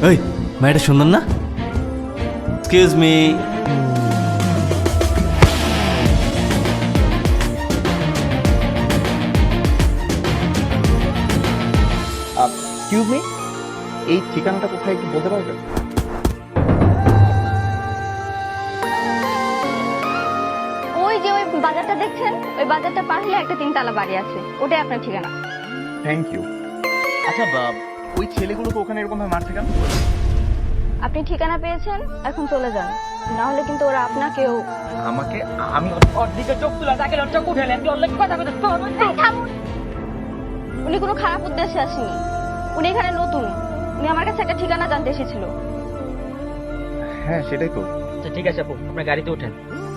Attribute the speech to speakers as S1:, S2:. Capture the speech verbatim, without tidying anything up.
S1: ওই মেয়েটা সুন্দর না? Excuse me.
S2: এক্সকিউজ মি, এই ঠিকানাটা কোথায় একটু বলতে পারবেন?
S3: ওই যে ওই বাজারটা দেখছেন, ওই বাজারটা পার হলে একটা তিনতলা বাড়ি আছে, ওটাই আপনার ঠিকানা।
S2: Thank you. আচ্ছা বা- ওই ছেলেগুলোকে ওখানে এরকম ভাবে মারছে কেন?
S3: আপনি ঠিকানা পেয়েছেন, এখন চলে যান, না হলে কিন্তু ওরা আপনাকেও।
S2: আমাকে আমি
S4: ওর দিকে চোখ তুলে তাকে ওর চোখ উঠে নেন ওর কথা কথা
S3: এই থামুন। উনি কোনো খারাপ উদ্দেশ্যে আসেনি, উনি এখানে নতুন, উনি আমার কাছে একটা ঠিকানা জানতে এসেছিল।
S2: হ্যাঁ সেটাই তো।
S4: আচ্ছা ঠিক আছে আপু, আপনার গাড়িতে ওঠেন।